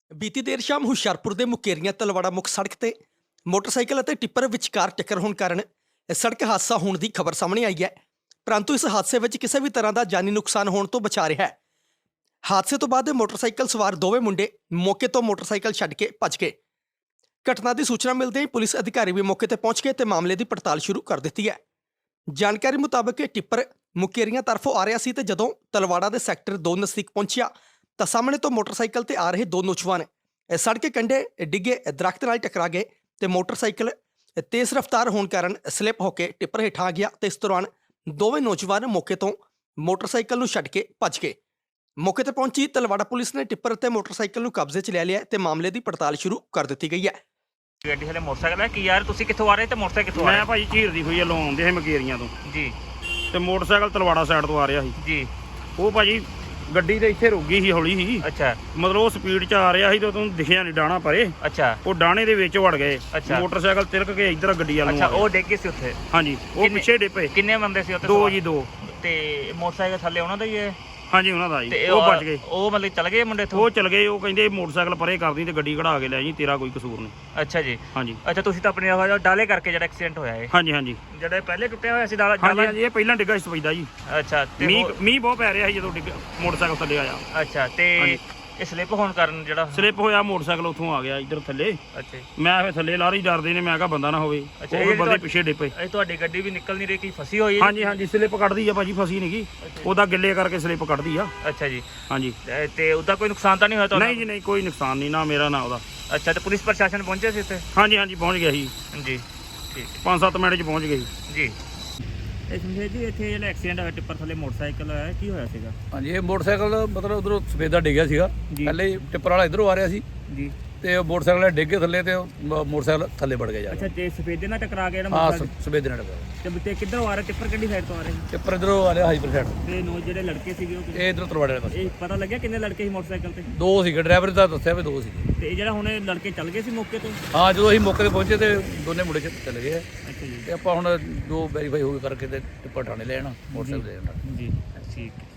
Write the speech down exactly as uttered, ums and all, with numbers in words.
ਬੀਤੀ ਦੇਰ ਸ਼ਾਮ ਹੁਸ਼ਿਆਰਪੁਰ ਦੇ ਮੁਕੇਰੀਆਂ ਤਲਵਾੜਾ ਮੁੱਖ ਸੜਕ ਤੇ ਮੋਟਰਸਾਈਕਲ ਅਤੇ ਟਿੱਪਰ ਵਿਚਕਾਰ ਟੱਕਰ ਹੋਣ ਕਾਰਨ ਇਹ ਸੜਕ ਹਾਦਸਾ ਹੋਣ ਦੀ ਖਬਰ ਸਾਹਮਣੇ ਆਈ ਹੈ। ਪਰੰਤੂ ਇਸ ਹਾਦਸੇ ਵਿੱਚ ਕਿਸੇ ਵੀ ਤਰ੍ਹਾਂ ਦਾ ਜਾਨੀ ਨੁਕਸਾਨ ਹੋਣ ਤੋਂ ਬਚਾ ਰਿਹਾ ਹੈ। ਹਾਦਸੇ ਤੋਂ ਬਾਅਦ ਮੋਟਰਸਾਈਕਲ ਸਵਾਰ ਦੋਵੇਂ ਮੁੰਡੇ ਮੌਕੇ ਤੋਂ ਮੋਟਰਸਾਈਕਲ ਛੱਡ ਕੇ ਭੱਜ ਗਏ। ਘਟਨਾ ਦੀ ਸੂਚਨਾ ਮਿਲਦੇ ਹੀ ਪੁਲਿਸ ਅਧਿਕਾਰੀ ਵੀ ਮੌਕੇ ਤੇ ਪਹੁੰਚ ਗਏ ਤੇ ਮਾਮਲੇ ਦੀ ਪੜਤਾਲ ਸ਼ੁਰੂ ਕਰ ਦਿੱਤੀ ਹੈ। ਜਾਣਕਾਰੀ ਮੁਤਾਬਕ ਇਹ ਟਿੱਪਰ ਮੁਕੇਰੀਆਂ ਤਰਫੋਂ ਆ ਰਿਹਾ ਸੀ ਤੇ ਜਦੋਂ ਤਲਵਾੜਾ ਦੇ ਸੈਕਟਰ ਦੋ ਨਜ਼ਦੀਕ ਪਹੁੰਚਿਆ ਤਾਂ ਸਾਹਮਣੇ ਤੋਂ ਮੋਟਰਸਾਈਕਲ ਤੇ ਆ ਰਹੇ ਦੋ ਨੌਜਵਾਨ ਸੜਕ ਕੇ ਕੰਢੇ ਡਿੱਗੇ ਦਰਖਤ ਨਾਲ ਟਕਰਾ ਗਏ ਤੇ ਮੋਟਰਸਾਈਕਲ ਤੇਜ਼ ਰਫ਼ਤਾਰ ਹੋਣ ਕਾਰਨ ਸਲਿੱਪ ਹੋ ਕੇ ਟਿੱਪਰ ਹੇਠਾਂ ਆ ਗਿਆ ਤੇ ਇਸ ਦੌਰਾਨ ਦੋਵੇਂ ਨੌਜਵਾਨ ਮੌਕੇ ਤੋਂ ਮੋਟਰਸਾਈਕਲ ਨੂੰ ਛੱਡ ਕੇ ਭੱਜ ਗਏ। ਮੌਕੇ ਤੇ ਪਹੁੰਚੀ ਤਲਵਾੜਾ ਪੁਲਿਸ ਨੇ ਟਿੱਪਰ ਅਤੇ ਮੋਟਰਸਾਈਕਲ ਨੂੰ ਕਬਜ਼ੇ 'ਚ ਲੈ ਲਿਆ ਤੇ ਮਾਮਲੇ ਦੀ ਪੜਤਾਲ ਸ਼ੁਰੂ ਕਰ ਦਿੱਤੀ ਗਈ ਹੈ। ਗੱਡੀ ਹਲੇ ਮੋਟਰਸਾਈਕਲ ਹੈ ਕਿ ਯਾਰ ਤੁਸੀਂ ਕਿੱਥੋਂ ਆ ਰਹੇ ਤੇ ਮੋਟਰਸਾਈਕਲ ਕਿੱਥੋਂ ਆ ਮੈਂ ਰਿਹਾ? ਭਾਈ ਝੀਰ ਦੀ ਹੋਈ ਆ ਲੋਂ ਆਉਂਦੇ ਸੀ ਮਕੇਰੀਆਂ ਤੋਂ ਜੀ ਤੇ ਮੋਟਰਸਾਈਕਲ ਤਲਵਾੜਾ ਸਾਈਡ ਤੋਂ ਆ ਰਿਹਾ ਸੀ। ਜੀ ਉਹ ਭਾਜੀ ਗੱਡੀ ਤੇ ਇੱਥੇ ਰੁਕ ਗਈ ਸੀ ਹੌਲੀ ਸੀ, ਅੱਛਾ ਮਤਲਬ ਉਹ ਸਪੀਡ 'ਚ ਆ ਰਿਹਾ ਸੀ ਤੇ ਉਹਨੂੰ ਦਿਖਿਆ ਨਹੀਂ ਡਾਣਾ ਪਰੇ, ਅੱਛਾ ਉਹ ਡਾਣੇ ਦੇ ਵਿੱਚ ਵੜ ਗਏ। ਅੱਛਾ। ਮੋਟਰਸਾਈਕਲ ਤਿਲਕ ਕੇ ਇੱਧਰ ਗੱਡੀ ਵੱਲ ਨੂੰ ਅੱਛਾ ਆ ਉਹ ਗਿਆ। ਡਿੱਗ ਗਏ ਸੀ ਉੱਥੇ? ਹਾਂਜੀ ਉਹ ਕਿੰਨੇ- ਪਿੱਛੇ ਡਿੱਪੇ ਕਿੰਨੇ ਬੰਦੇ ਸੀ ਉੱਥੇ ਦੋ ਸਵਾਰ? ਜੀ ਦੋ। ਤੇ ਮੋਟਰਸਾਈਕਲ ਥੱਲੇ ਉਹਨਾਂ ਦਾ ਹੀ ਹੈ? ਹਾਂਜੀ ਉਹਨਾਂ ਦਾ ਜੀ, ਤੇ ਉਹ ਬਚ ਗਏ। ਉਹ ਮਤਲਬ ਚਲ ਗਏ ਮੁੰਡੇ ਇੱਥੋਂ? ਉਹ ਚਲ ਗਏ। ਉਹ ਕਹਿੰਦੇ ਮੋਟਰਸਾਈਕਲ ਪਰੇ ਕਰਦੀ ਤੇ ਗੱਡੀ ਕਢਾ ਕੇ ਲੈ ਜੀ, ਤੇਰਾ ਕੋਈ ਕਸੂਰ ਨਹੀਂ। ਅੱਛਾ ਜੀ। ਹਾਂਜੀ ਅੱਛਾ ਤੁਸੀਂ ਤਾਂ ਆਪਣੇ ਉਹ ਡਾਲੇ ਕਰਕੇ ਜਿਹੜਾ ਐਕਸੀਡੈਂਟ ਹੋਇਆ ਹੈ, ਹਾਂਜੀ ਹਾਂਜੀ ਜਿਹੜਾ ਪਹਿਲੇ ਟੁੱਟਿਆ ਹੋਇਆ ਸੀ ਡਾਲਾ ਹਾਂਜੀ ਡਾਲਾ- ਹਾਂਜੀ ਇਹ ਪਹਿਲਾਂ ਡਿੱਗਾ ਸੀ ਸਪੈਦਾ ਜੀ। ਅੱਛਾ ਤੇ ਮੀਂਹ ਉਹ- ਮੀਂਹ ਬਹੁਤ ਪੈ ਰਿਹਾ ਸੀ ਜਦੋਂ ਡਿੱਗ ਮੋਟਰਸਾਈਕਲ ਥੱਲੇ ਆਇਆ। ਅੱਛਾ ਤੇ ਹਾਂਜੀ। ਇਹ ਸਲਿੱਪ ਹੋਣ ਕਾਰਨ ਜਿਹੜਾ ਸਲਿੱਪ ਹੋਇਆ ਮੋਟਰਸਾਈਕਲ ਉੱਥੋਂ ਆ ਗਿਆ ਇੱਧਰ ਥੱਲੇ। ਅੱਛਾ ਜੀ। ਮੈਂ ਫਿਰ ਥੱਲੇ ਲਾਰੀ ਡਰਦੇ ਨੇ, ਮੈਂ ਕਿਹਾ ਬੰਦਾ ਨਾ ਹੋਵੇ। ਅੱਛਾ, ਉਹ ਇਹ ਫਿਰ ਬੰਦੇ ਤੁਹਾਡੀ- ਪਿੱਛੇ ਡਿੱਪੇ। ਇਹ ਤੁਹਾਡੀ ਗੱਡੀ ਵੀ ਨਿਕਲ ਨਹੀਂ ਰਹੀ ਕਿ ਫਸੀ ਹੋਈ ਹੈ? ਹਾਂਜੀ ਹਾਂਜੀ ਸਲਿੱਪ ਕੱਢਦੀ ਆ ਭਾਜੀ, ਫਸੀ ਨਹੀਂ ਗਈ। ਉਹਦਾ ਗਿੱਲੇ ਕਰਕੇ ਸਲਿੱਪ ਕੱਢਦੀ ਆ। ਅੱਛਾ ਜੀ। ਹਾਂਜੀ ਤੇ- ਤੇ ਉਹਦਾ ਕੋਈ ਨੁਕਸਾਨ ਤਾਂ ਨਹੀਂ ਹੋਇਆ ਤੁਹਾਨੂੰ? ਨਹੀਂ ਜੀ ਨਹੀਂ, ਕੋਈ ਨੁਕਸਾਨ ਨਹੀਂ, ਨਾ ਮੇਰਾ ਨਾ ਉਹਦਾ। ਅੱਛਾ ਤੇ ਪੁਲਿਸ ਪ੍ਰਸ਼ਾਸਨ ਪਹੁੰਚਿਆ ਸੀ ਇੱਥੇ? ਹਾਂਜੀ ਹਾਂਜੀ ਪਹੁੰਚ ਗਿਆ ਸੀ, ਜੀ ਠੀਕ ਪੰਜ ਸੱਤ ਮਿੰਟ 'ਚ ਪਹੁੰਚ ਗਏ ਸੀ। ਜੀ। ਇਹ ਸਮਝੇ ਜੀ ਇੱਥੇ ਜਿਹੜਾ ਐਕਸੀਡੈਂਟ ਹੋਇਆ ਟਿੱਪਰ ਥੱਲੇ ਮੋਟਰਸਾਈਕਲ ਹੋਇਆ ਕੀ ਹੋਇਆ ਸੀਗਾ? ਹਾਂਜੀ ਇਹ ਮੋਟਰਸਾਈਕਲ ਮਤਲਬ ਉਧਰੋਂ ਸਫੇਦਾ ਡਿੱਗਿਆ ਸੀਗਾ। ਜੀ। ਪਹਿਲੇ ਹੀ ਟਿੱਪਰ ਵਾਲਾ ਇਧਰੋਂ ਆ ਰਿਹਾ ਸੀ ਜੀ। ਤੇ ਉਹ ਮੋਟਰਸਾਈਕਲ ਡਿੱਗ ਕੇ ਥੱਲੇ ਤੇ ਉਹ ਮ- ਮੋਟਰਸਾਈਕਲ ਥੱਲੇ ਵੜ ਗਿਆ ਜਾ ਅੱਛਾ ਤੇ ਸਫੇਦੇ ਨਾਲ ਟਕਰਾ ਗਿਆ ਜਿਹੜਾ ਹਾਂ ਮੋਟਰਸਾਈਕਲ? ਸਫੇਦੇ ਨਾਲ ਡਿੱਗਾ। ਤੇ ਤੇ ਕਿੱਧਰੋਂ ਆ ਰਿਹਾ ਟਿੱਪਰ ਕਿਹੜੀ ਸਾਈਡ ਤੋਂ ਆ ਰਹੇ ਸੀ? ਟਿੱਪਰ ਇਧਰੋਂ ਆ ਰਿਹਾ ਹਾਈਪਰ ਸਾਈਡ। ਤੇ ਨੋ ਜਿਹੜੇ ਲੜਕੇ ਸੀਗੇ ਉਹ ਕਿੱਥੇ? ਇਹ ਇਧਰੋਂ ਤਰਵਾੜੇ ਵਾਲੇ ਪਾਸੇ ਇਹ ਪਤਾ ਲੱਗਿਆ ਕਿੰਨੇ ਲੜਕੇ ਸੀ ਮੋਟਰਸਾਈਕਲ ਤੇ? ਦੋ ਸੀਗੇ, ਡਰਾਈਵਰ ਦਾ ਦੱਸਿਆ ਵੀ ਦੋ ਸੀਗੇ। ਤੇ ਇਹ ਜਿਹੜਾ ਹੁਣ ਇਹ ਲੜਕੇ ਚੱਲ ਗਏ ਸੀ ਮੌਕੇ ਤੋਂ? ਹਾਂ ਜਦੋਂ ਅਸੀਂ ਮੌਕੇ ਤੇ ਪਹੁੰਚੇ ਤੇ ਦੋਨੇ ਮੁੰਡੇ ਚ ਚਲੇ ਗਏ ਆ। ਅੱਛਾ ਜੀ। ਤੇ ਆਪਾਂ ਹੁਣ ਜੋ ਵੈਰੀਫਾਈ ਹੋ ਗਏ ਕਰਕੇ ਤੇ ਟਿੱਪਰ ਠਾਣੇ ਲੈ ਜਾਣਾ, ਮੋਟਰਸਾਈਕਲ ਲੈ ਜਾਣਾ। ਜੀ ਠੀਕ।